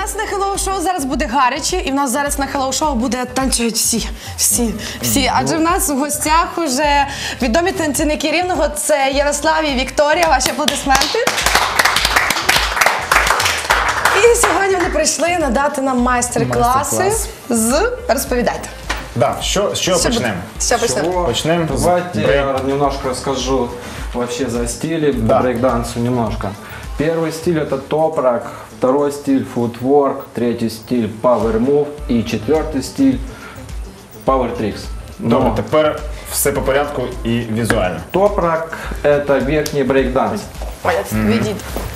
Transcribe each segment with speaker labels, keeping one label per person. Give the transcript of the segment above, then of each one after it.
Speaker 1: нас на хеллоу-шоу зараз буде гаряче, і в нас зараз на хеллоу-шоу буде танцюють всі. Адже в нас в гостях уже відомі танцівники Рівного, це Ярослав і Вікторія. Ваші аплодисменти. І сьогодні вони прийшли надати нам майстер-класи з... Розповідайте.
Speaker 2: Да, с чего почнем?
Speaker 3: Почнем. Давайте я немножко расскажу вообще за стили по брейк-дансу немножко. Первый стиль это топ-рок, второй стиль футворк, третий стиль power move и четвертый стиль power tricks.
Speaker 2: Добре, тепер все по порядку і візуально.
Speaker 3: Топ-рок это верхний брейк-данс.
Speaker 1: Відійдіть.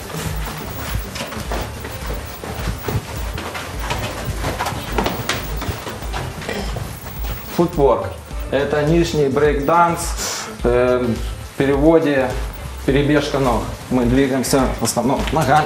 Speaker 3: Футворк это нижний брейк-данс, в переводе перебежка ног. Мы двигаемся в основном ногами.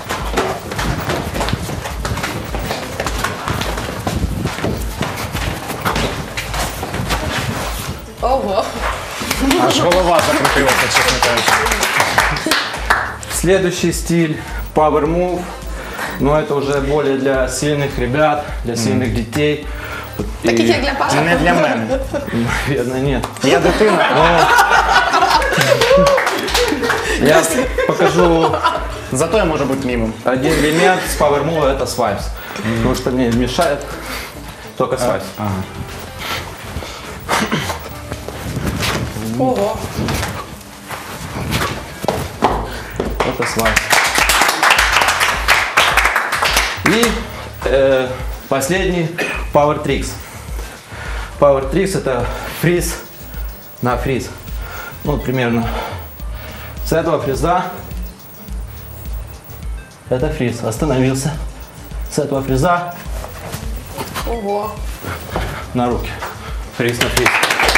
Speaker 1: Ого.
Speaker 2: Аж голова закрутилася, чесно кажучи.
Speaker 3: Следующий стиль Power Move, но это уже более для сильных ребят, для сильных детей.
Speaker 1: Таких як для Паши?
Speaker 2: Не для мене.
Speaker 3: Наверное, нет.
Speaker 2: Я дитина.
Speaker 3: Я покажу
Speaker 2: Зато я можу бути мімом.
Speaker 3: один элемент с Power Move, это свайпс. Потому что мне мешает только свайпс.
Speaker 1: Ого.
Speaker 3: Это свайпс. И последний Power Tricks. Power Tricks это фриз на фриз. Ну, примерно с этого фриза это фриз. Остановился. С этого фриза
Speaker 1: Ого.
Speaker 3: на руки. Фриз на фриз.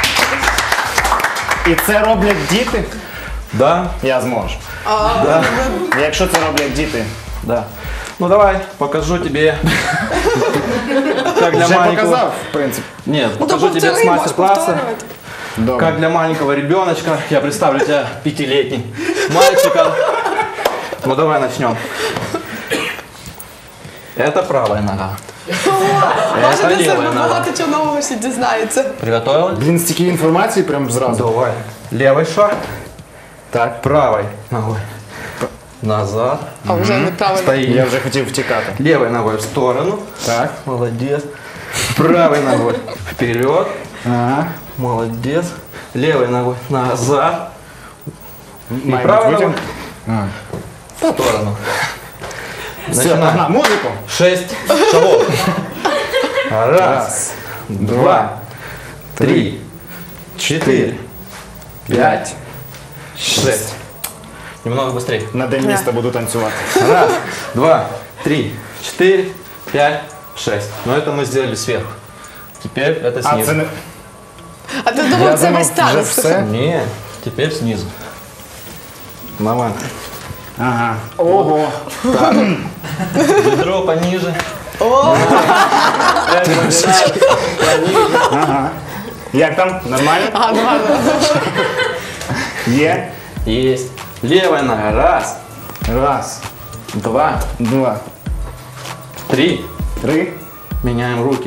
Speaker 2: І це роблять діти?
Speaker 3: Да,
Speaker 2: Я зможу.
Speaker 3: да,
Speaker 2: Якщо це роблять діти.
Speaker 3: да. Ну давай, покажу тебе. Как для
Speaker 2: Вже
Speaker 3: маленького...
Speaker 2: показав, в принципі.
Speaker 3: Нет,
Speaker 1: Ну,
Speaker 3: покажу тебе с мастер-класса.
Speaker 2: Добре.
Speaker 3: Как для маленького ребеночка. Я представлю тебя 5-летним мальчиком. Ну давай начнем. Это правая нога. Это левая нога.
Speaker 1: Багато чого нового ще дізнається.
Speaker 3: Приготовилась?
Speaker 2: Блін, стільки інформації прям зразу.
Speaker 3: Давай. Левый шаг.
Speaker 2: Так.
Speaker 3: Правой ногой. Назад.
Speaker 1: А вже неправильно.
Speaker 3: Стоим.
Speaker 2: Я вже хотів втікати.
Speaker 3: Левой ногой в сторону.
Speaker 2: Так.
Speaker 3: Молодец. Правой ногой вперед.
Speaker 2: Ага.
Speaker 3: Молодец. Левой ногой назад. И
Speaker 2: Має
Speaker 3: правой
Speaker 2: бути
Speaker 3: ногой
Speaker 2: витяг.
Speaker 3: в сторону.
Speaker 2: Все,
Speaker 3: Начинаем.
Speaker 2: на музику.
Speaker 3: 6 шагов. Раз,
Speaker 2: Раз,
Speaker 3: два, три, 4, 5, 6. Немного быстрее.
Speaker 2: На день міста буду танцювати.
Speaker 3: Раз, два, три, 4, 5, 6. Но это мы сделали сверху. Теперь это
Speaker 2: А
Speaker 3: снизу.
Speaker 2: це не...
Speaker 1: А ти думав, це весь
Speaker 2: вже
Speaker 1: танець?
Speaker 2: все?
Speaker 3: Не, теперь снизу. Мама.
Speaker 2: Ага. Ого.
Speaker 3: Бедро пониже.
Speaker 2: Ага. Як там? Нормально?
Speaker 1: Ага, нормально.
Speaker 2: Є.
Speaker 3: Есть. Левая нога. Раз,
Speaker 2: Раз,
Speaker 3: два,
Speaker 2: два,
Speaker 3: 3.
Speaker 2: три,
Speaker 3: Меняем руки.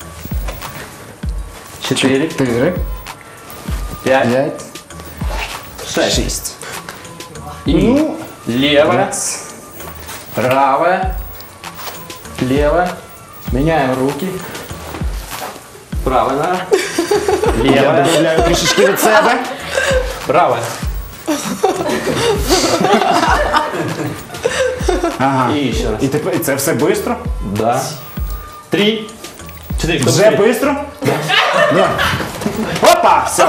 Speaker 3: 4,
Speaker 2: чотири,
Speaker 3: 5,
Speaker 2: п'ять,
Speaker 3: 6.
Speaker 2: шість.
Speaker 3: И
Speaker 2: Ну,
Speaker 3: левая,
Speaker 2: раз.
Speaker 3: правая, левая. Меняем руки. Правая нога.
Speaker 2: Я
Speaker 3: Левая,
Speaker 2: додаю трішечки від себе.
Speaker 3: правая.
Speaker 2: Ага.
Speaker 3: И еще раз.
Speaker 2: І тепер і це все швидко?
Speaker 3: Да. 3, 4. Кто
Speaker 2: Вже
Speaker 3: быстрее?
Speaker 2: швидко? Да. Опа! Все.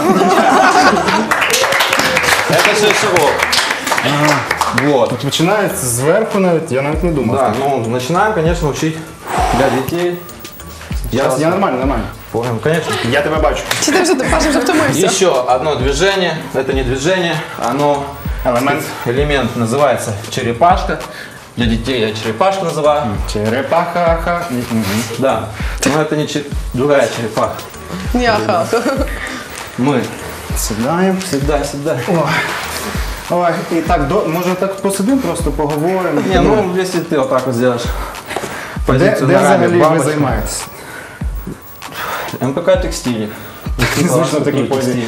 Speaker 3: Это 6 шагов. Вот.
Speaker 2: Починається зверху навіть, я навіть не думав.
Speaker 3: Да, ну начинаем, конечно, учить для детей.
Speaker 2: Я нормально.
Speaker 3: Понял, конечно.
Speaker 2: Я тебе бачу.
Speaker 1: Чи ти вже, Паша, вже втомився?
Speaker 3: Еще одно движение. Это не движение, оно
Speaker 2: Елемент.
Speaker 3: элемент называется черепашка. Для детей я черепашку называю.
Speaker 2: Черепаха.
Speaker 3: Да. Но это не другая черепаха.
Speaker 1: Ні, ага.
Speaker 3: Мы
Speaker 2: Сідаємо.
Speaker 3: всегда.
Speaker 2: Ой, і так, може так посидимо, просто поговоримо.
Speaker 3: Не, ну если ты вот так вот сделаешь. позицию
Speaker 2: Де
Speaker 3: ногами,
Speaker 2: взагалі ви
Speaker 3: бабочка.
Speaker 2: займаєтесь?
Speaker 3: МПК текстиль.
Speaker 2: Звично в такій позі.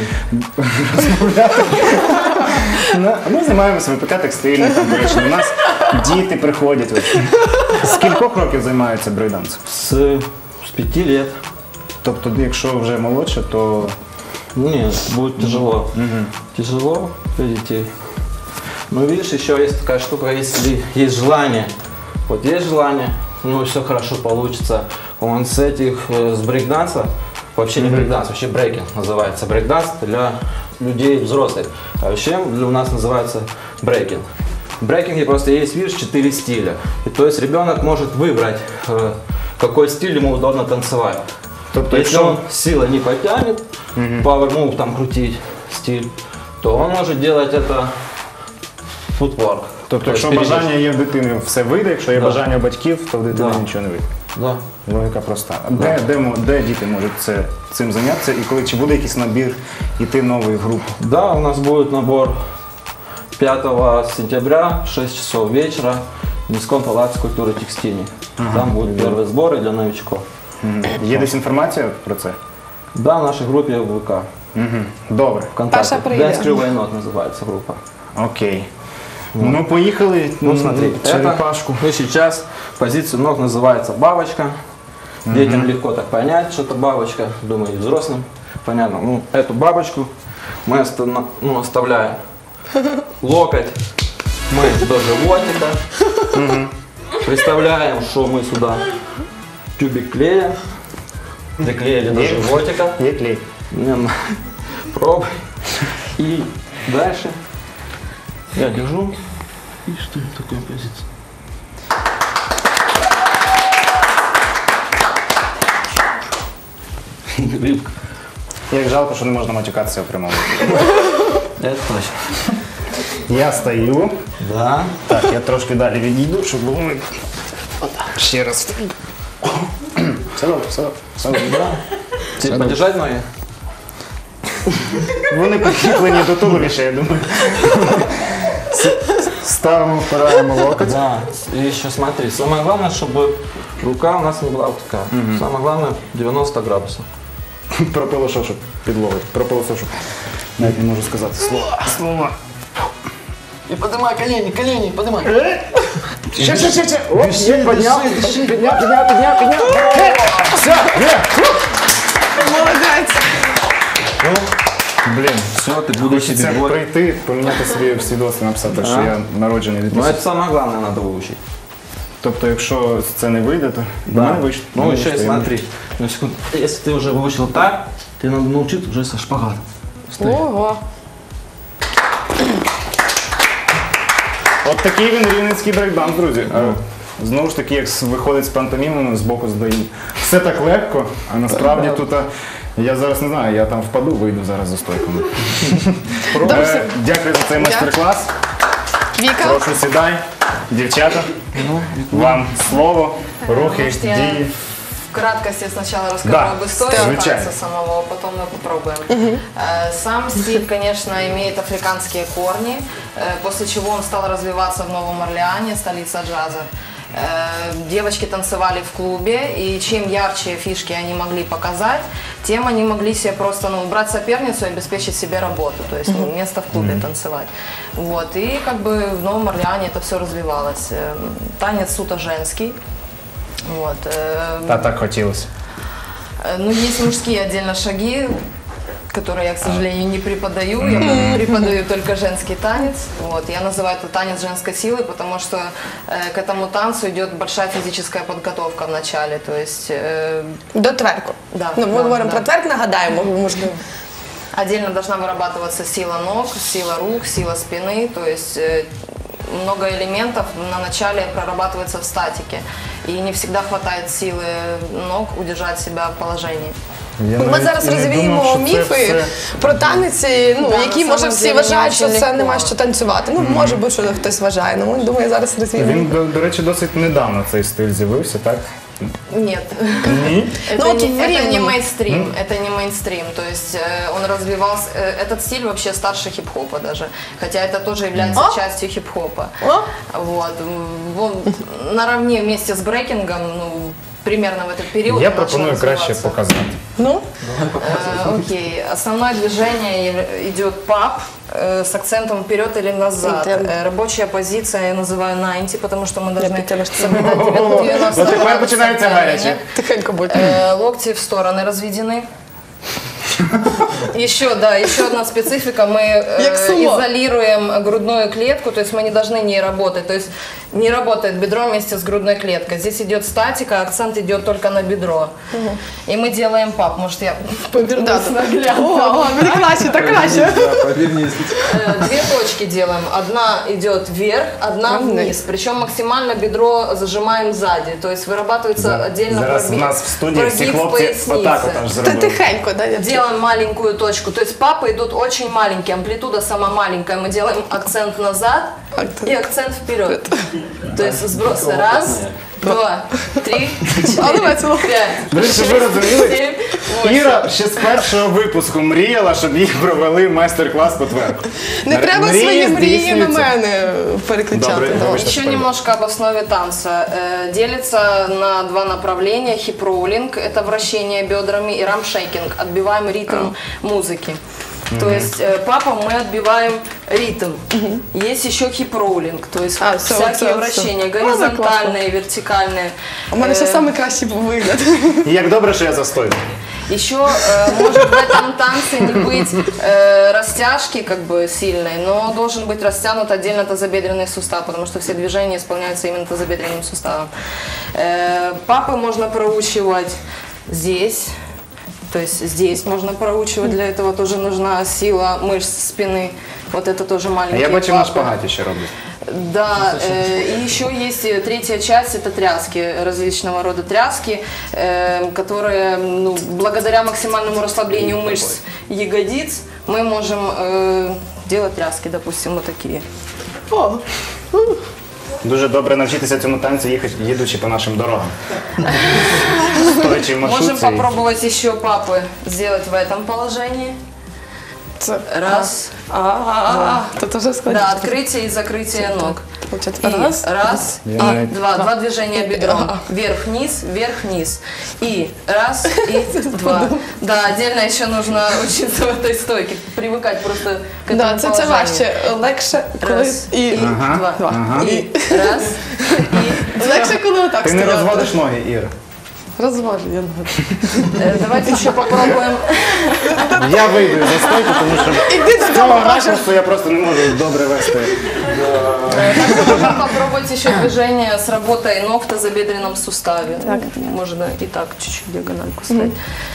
Speaker 2: Ми займаємося ВПК текстильним, до речі, у нас діти приходять. З кількох років займаються брейкдансом?
Speaker 3: С 5 лет.
Speaker 2: Тобто, якщо вже молодше, то
Speaker 3: Нет, будет тяжело. Тяжело для детей. Но видишь, еще есть такая штука, если есть желание. Вот есть желание, ну все хорошо получится. Он с этих, с брейкданса, вообще не брейкданс, вообще брейкинг называется. Брейкданс для людей взрослых. А вообще у нас называется брейкинг. В брейкинге просто есть, видишь, 4 стиля. И то есть ребенок может выбрать, какой стиль ему удобно танцевать.
Speaker 2: Тобто,
Speaker 3: Если он силой не потянет, power move там крутить стиль, то он может делать это футворк.
Speaker 2: Тобто, якщо бажання є в дитини, все вийде, якщо є
Speaker 3: Да.
Speaker 2: бажання у батьків, то в дитини
Speaker 3: Да.
Speaker 2: нічого не вийде.
Speaker 3: Да.
Speaker 2: Логіка проста. Де діти можуть цим зайнятися? І коли чи буде якийсь набір іти новий в групу?
Speaker 3: Да, у нас будет набор 5 сентября в 6 часов вечера в Низком палаце культуры текстильной. Там будут первые сборы для новичков.
Speaker 2: Є десь інформація про це?
Speaker 3: Да, в нашей группе в ВК.
Speaker 2: Добре.
Speaker 3: ВКонтакте.
Speaker 1: Паша прийде.
Speaker 3: Dance Crew Why Not называется группа.
Speaker 2: Окей. Ну, поїхали.
Speaker 3: Ну смотри,
Speaker 2: черепашку.
Speaker 3: это, ну, сейчас позиция ног называется бабочка. Детям легко так понять, что это бабочка. Думаю, и взрослым понятно. Ну, эту бабочку мы оставляем. Локоть мы до животика. Представляем, что мы сюда тюбик клея. Приклеили до животика.
Speaker 2: Є клей.
Speaker 3: Пробуй. И дальше я держу. И что в такой позиции? Рыбка.
Speaker 2: Як жалко, що не можна матюкатися в прямому.
Speaker 3: Это точно.
Speaker 2: Я стою.
Speaker 3: Да.
Speaker 2: Так, я трошки далі відійду, щоб було видно. Ще раз. Все добре, все добре. Все добре.
Speaker 3: Да. Тебе подержать ноги?
Speaker 2: Вони прикріплені до туловища, я думаю. Ставимо, впираємо локоть.
Speaker 3: Да. И еще смотри, самое главное, чтобы рука у нас не была вот такая. Самое главное 90 градусов.
Speaker 2: Пропилошов, щоб підловити. Пропилошов, щоб навіть не можу сказати слова.
Speaker 3: И поднимай колени, поднимай.
Speaker 2: Ще. Оп, підняв. Все, є.
Speaker 1: Молодець.
Speaker 2: Блін,
Speaker 3: Все, ты будешь себе
Speaker 2: хочеться
Speaker 3: вот.
Speaker 2: прийти, поміняти собі свідоцтво, написати, що я народжений
Speaker 3: Но
Speaker 2: 2000.
Speaker 3: это самое главное надо выучить.
Speaker 2: Тобто, якщо це не вийде, то в мене вийшло.
Speaker 3: Ну еще и смотри, на секунду. Если ты уже выучил так, тебе надо научиться уже со шпагатом.
Speaker 1: Ого.
Speaker 2: От такий він рівненський брейкданс, друзі. Знову ж таки, як виходить з пантомімами, з боку здає. Все так легко, а насправді тут, я зараз не знаю, я там впаду, вийду зараз за стойками. Дякую за цей майстер-клас.
Speaker 1: Віка.
Speaker 2: Прошу сідай. Дівчата, вам слово, рухи,
Speaker 4: Может, я
Speaker 2: дії.
Speaker 4: в краткости сначала расскажу
Speaker 2: Да,
Speaker 4: об истории
Speaker 2: звучайно.
Speaker 4: танца самого, а потом мы попробуем. Сам стиль, конечно, имеет африканские корни, после чего он стал развиваться в Новом Орлеане, столица джаза. Девочки танцевали в клубе, и чем ярче фишки они могли показать, тем они могли себе просто брать соперницу и обеспечить себе работу, то есть место в клубе танцевать. Вот, и как бы в Новом Орлеане это все развивалось. Танец суто женский. Вот,
Speaker 2: Та так хотілося.
Speaker 4: ну, есть мужские отдельно шаги, которые я, к сожалению, не преподаю. Я преподаю только женский танец. Вот. Я называю это танец женской силы, потому что к этому танцу идет большая физическая подготовка в начале. То есть,
Speaker 1: До тверку.
Speaker 4: Да,
Speaker 1: Ну, ми
Speaker 4: да,
Speaker 1: говоримо
Speaker 4: да.
Speaker 1: про тверк, нагадаємо, бо можливо.
Speaker 4: отдельно должна вырабатываться сила ног, сила рук, сила спины. То есть много элементов на начале прорабатывается в статике. И не всегда хватает силы ног удержать себя в положении.
Speaker 1: Ми зараз розвіємо міфи про танець, ну,
Speaker 4: Да,
Speaker 1: які,
Speaker 4: на
Speaker 1: може,
Speaker 4: самом
Speaker 1: всі
Speaker 4: деле
Speaker 1: вважають, що
Speaker 4: дуже
Speaker 1: це
Speaker 4: легко.
Speaker 1: нема що танцювати. Ну, може бути, що хтось вважає. Ну, думаю, зараз розвіємо.
Speaker 2: Він, до речі, досить недавно цей стиль з'явився, так?
Speaker 4: Нет.
Speaker 1: Ну, вот в
Speaker 4: Это не
Speaker 1: Рівному.
Speaker 4: мейнстрим, это не мейнстрим, то есть он развивался, этот стиль вообще старше хип-хопа даже, хотя это тоже является частью хип-хопа. Вот, он наравне вместе с брейкингом, ну, примерно в этот период.
Speaker 2: Я
Speaker 4: начал
Speaker 2: пропоную краще
Speaker 4: развиваться.
Speaker 2: показати.
Speaker 1: Ну,
Speaker 4: Окей, основное движение идет пап с акцентом вперед или назад. Рабочая позиция я называю 90, потому что мы должны соблюдать 90
Speaker 2: Ну, тепер починається гаряче.
Speaker 1: тихенько будь.
Speaker 4: Локти в стороны разведены. Еще одна специфика. Мы
Speaker 1: Як сумо.
Speaker 4: изолируем грудную клетку, то есть мы не должны не работать. То есть не работает бедро вместе с грудной клеткой. Здесь идет статика, акцент идет только на бедро. И мы делаем пап. Может, я повернусь наглядно.
Speaker 1: О, мені краще, так краще.
Speaker 3: Повернись.
Speaker 4: Две точки делаем. Одна идет вверх, одна вниз. Причем максимально бедро зажимаем сзади. То есть вырабатывается отдельно
Speaker 2: Зараз у нас в студії всі
Speaker 4: прогиб
Speaker 2: хлопці
Speaker 4: поясницы.
Speaker 2: отак от аж
Speaker 1: Та
Speaker 2: зробили.
Speaker 1: тихенько, да? я-
Speaker 4: Делаем маленькую точку. То есть папы идут очень маленькие, амплитуда сама маленькая. Мы делаем акцент назад и акцент вперед. То есть сбросы. Раз, два, три, четыре, пять,
Speaker 2: До речі, щоб ви розуміли,
Speaker 4: семь, восемь.
Speaker 2: Іра ще з першого випуску мріяла, щоб їх провели майстер-клас по тверку.
Speaker 1: Не треба
Speaker 2: Мрії
Speaker 1: свої мрії на
Speaker 2: здійснюються.
Speaker 1: мене переключати.
Speaker 2: Добре,
Speaker 1: Давай.
Speaker 2: вибачте.
Speaker 4: Еще немножко об основе танца. Делится на два направления. Хип-роулинг – это вращение бедрами, и рамшейкинг – отбиваем ритм музыки. То есть папам мы отбиваем ритм. Есть еще хип-роулинг, то есть всякие вращения, горизонтальные, вертикальные.
Speaker 1: У мене ще найкращий вигляд.
Speaker 2: І як добре, що я за стойку.
Speaker 4: Еще может в этом танце не быть растяжки как бы сильной, но должен быть растянут отдельно тазобедренный сустав, потому что все движения исполняются именно тазобедренным суставом. Папы можно проучивать здесь. То есть здесь можно проучивать, для этого тоже нужна сила мышц спины. Вот это тоже
Speaker 2: А
Speaker 4: маленький.
Speaker 2: я бачив на шпагаті ще роблять.
Speaker 4: Да, и еще есть третья часть, это тряски, различного рода тряски, которые, ну, благодаря максимальному расслаблению мышц ягодиц мы можем делать тряски, допустим, вот такие.
Speaker 1: О,
Speaker 2: Дуже добре навчитися цьому танцю, їдучи по нашим дорогам. Стоячи в
Speaker 4: Можем
Speaker 2: маршрутці.
Speaker 4: попробовать еще папы сделать в этом положении.
Speaker 1: це...
Speaker 4: Раз,
Speaker 1: Тут уже складно.
Speaker 4: да, открытие и закрытие ног.
Speaker 1: Получается,
Speaker 4: И
Speaker 1: раз.
Speaker 4: раз, и два движения бедром. Вверх-вниз, вверх-вниз. И раз, и два. Да, отдельно еще нужно учиться в этой стойке, привыкать просто к этому
Speaker 1: Да, це
Speaker 4: положению.
Speaker 1: важче. Легше, коли...
Speaker 4: Раз,
Speaker 1: І...
Speaker 4: и два. И раз, и
Speaker 1: Легше, коли отак
Speaker 2: Ти не
Speaker 1: стояти.
Speaker 2: розводиш ноги, Іра?
Speaker 1: Розвожу, я нагадую.
Speaker 4: давайте еще попробуем.
Speaker 2: Я вийду за стойку, тому що
Speaker 1: Іди
Speaker 2: з цього ракурсу я просто не можу добре вести.
Speaker 4: Можно попробовать еще движение с работой ног в тазобедренном суставе. Можно и так чуть-чуть диагональку ставить.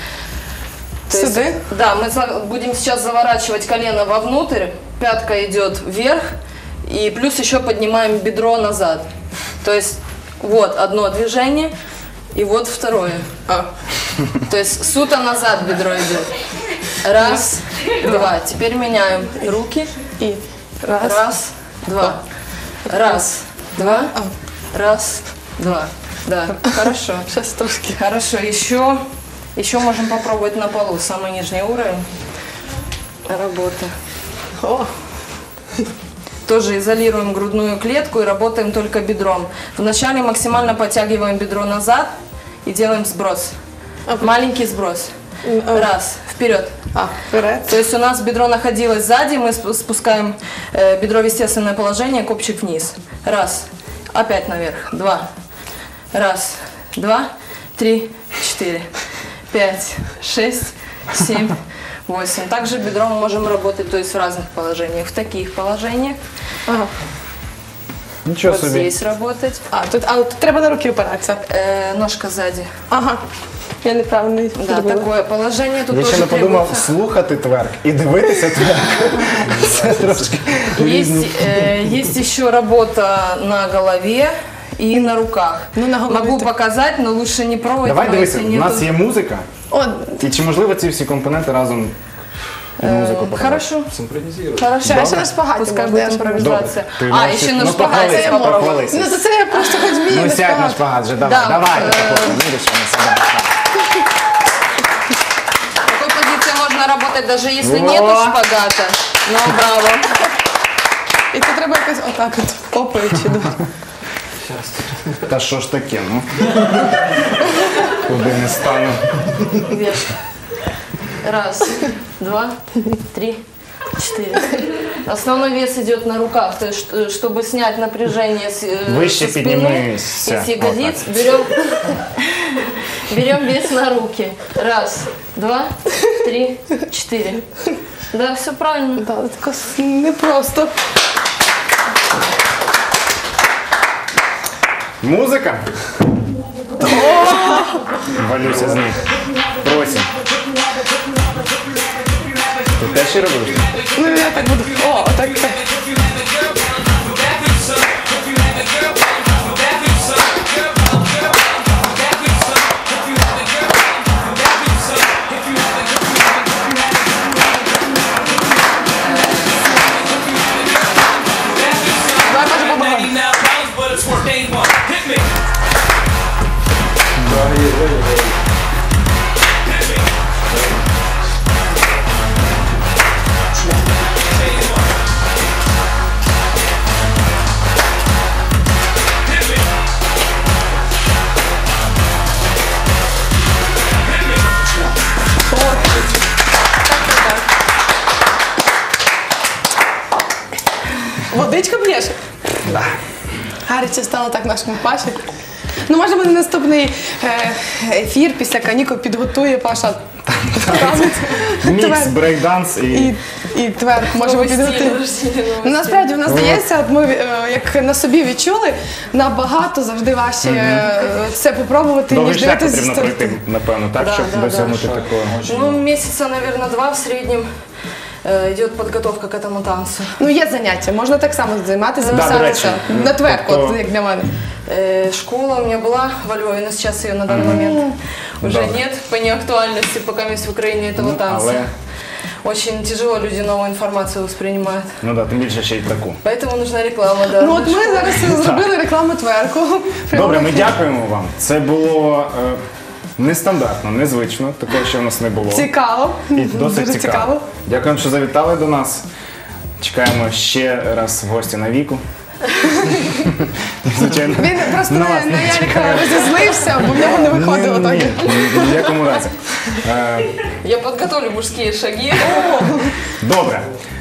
Speaker 4: То есть,
Speaker 1: Сюда?
Speaker 4: да, мы будем сейчас заворачивать колено вовнутрь, пятка идет вверх, и плюс еще поднимаем бедро назад. То есть вот одно движение, и вот второе. То есть сута назад бедро идет. Раз, два. Теперь меняем руки.
Speaker 1: І раз.
Speaker 4: Раз, два. Раз, два. Раз, два. Да, хорошо.
Speaker 1: Щас трошки.
Speaker 4: Хорошо, еще можем попробовать на полу, самый нижний уровень работы.
Speaker 1: О,
Speaker 4: Тоже изолируем грудную клетку и работаем только бедром. Вначале максимально подтягиваем бедро назад и делаем сброс. Маленький сброс. Раз, вперед.
Speaker 1: вперед.
Speaker 4: То есть у нас бедро находилось сзади, мы спускаем бедро в естественное положение, копчик вниз. Раз, опять наверх. Два. Раз, два, три, четыре, пять, шесть, семь, 8. Также бедром мы можем работать, то есть в разных положениях. В таких положениях.
Speaker 1: Ага.
Speaker 2: Нічого
Speaker 4: Вот
Speaker 2: собі.
Speaker 4: здесь работать.
Speaker 1: Тут треба на руки опиратися.
Speaker 4: Ножка сзади.
Speaker 1: Ага. Я неправильно
Speaker 4: Да,
Speaker 1: зробила.
Speaker 4: такое положение. Тут
Speaker 2: Я ще
Speaker 4: тоже
Speaker 2: не подумав
Speaker 4: требуется.
Speaker 2: слухати тверк і дивитися тверк. Це трошки
Speaker 4: Есть еще работа на голове и на руках.
Speaker 1: Ну, на голове
Speaker 4: Могу
Speaker 1: так.
Speaker 4: показать, но лучше не пробовать.
Speaker 2: Давай
Speaker 4: но
Speaker 2: дивися,
Speaker 4: если
Speaker 2: у
Speaker 4: нету-
Speaker 2: нас є музика,
Speaker 1: О,
Speaker 2: і чи можливо ці всі компоненти разом Музику показати.
Speaker 4: Хорошо.
Speaker 3: Синхронизируй.
Speaker 1: Хорошо, я ще на шпагаті
Speaker 4: Пускай
Speaker 1: можна, я
Speaker 4: будет
Speaker 1: ж можу.
Speaker 4: импровизация.
Speaker 2: Ты
Speaker 4: А,
Speaker 2: можешь-
Speaker 4: еще на
Speaker 2: ну,
Speaker 4: шпагате
Speaker 2: похвались,
Speaker 4: я могу.
Speaker 2: похвались.
Speaker 1: Ну, то це я просто хоч вмію
Speaker 2: Ну
Speaker 1: на
Speaker 2: сядь на
Speaker 1: шпагат.
Speaker 2: шпагат же, давай,
Speaker 4: Да.
Speaker 2: давай. Видиш, що ми себе.
Speaker 4: В такой позиции можно работать даже если
Speaker 2: Во.
Speaker 4: нету шпагата. Ну, браво.
Speaker 1: І це треба якось отак от попаючи.
Speaker 2: Та що ж таке, ну? Куди не стану.
Speaker 4: Вверх. Раз, два, три, четыре. Основной вес идет на руках, то есть, чтобы снять напряжение
Speaker 2: Выше
Speaker 4: со спины
Speaker 2: поднимайся.
Speaker 4: и с ягодиц,
Speaker 2: Вот
Speaker 4: берем вес на руки. Раз, два, три, четыре. Да, все правильно.
Speaker 1: Так, тако непросто.
Speaker 2: Музика? Валюся з них. Просим. Ти теж і робиш?
Speaker 1: Ну, я так буду. О, отак. Давай, Паша, помагай. Водичка б'єш?
Speaker 2: Да.
Speaker 1: Гаряче стало так нашому Паші. Ну, може, буде наступний ефір після канікул підготує Паша танець.
Speaker 2: Мікс,
Speaker 1: Тверд.
Speaker 2: брейкданс і...
Speaker 1: І тверд, може, ви
Speaker 4: Новый стиль,
Speaker 1: підготуєте.
Speaker 4: новый стиль, новый
Speaker 1: Ну,
Speaker 4: стиль.
Speaker 1: насправді, в нас здається, от ми як на собі відчули, набагато завжди важче це попробувати,
Speaker 2: Довгий
Speaker 1: ніж
Speaker 2: шлях
Speaker 1: дивитися зі
Speaker 2: потрібно
Speaker 1: сторони.
Speaker 2: пройти, напевно, так,
Speaker 4: Да,
Speaker 2: щоб
Speaker 4: да,
Speaker 2: досягнути
Speaker 3: да.
Speaker 2: такого.
Speaker 4: Ну, месяца, наверное, 2 в среднем идет подготовка к этому танцу.
Speaker 1: Ну, є заняття, можна так само займатися,
Speaker 2: Да, до речі.
Speaker 1: записатися на тверд,
Speaker 2: Тобто-
Speaker 1: от, як для мене.
Speaker 4: Школа у меня была во Львове, но сейчас ее на данный момент уже
Speaker 2: Добре.
Speaker 4: нет по неактуальности, пока есть в Украине этого танца.
Speaker 2: Але,
Speaker 4: Очень тяжело люди новую информацию воспринимают.
Speaker 2: ну да, тим більше ще й таку.
Speaker 4: Поэтому нужна реклама, да.
Speaker 1: Ну, от ми зараз зробили рекламу тверку.
Speaker 2: Добре, ми дякуємо вам. Це було нестандартно, незвично, такого ще в нас не було.
Speaker 1: Цікаво.
Speaker 2: І досить
Speaker 1: Дуже
Speaker 2: цікаво. Дякуємо, що завітали до нас. Чекаємо ще раз в гості на Віку. Звичайно.
Speaker 1: Він просто
Speaker 2: На вас
Speaker 1: на
Speaker 2: не
Speaker 1: Ярика
Speaker 2: чекаю.
Speaker 1: розізлився, бо в нього не виходило так.
Speaker 2: Ні, ні в якому разі.
Speaker 4: Я подготовлю мужские шаги.
Speaker 2: Добре.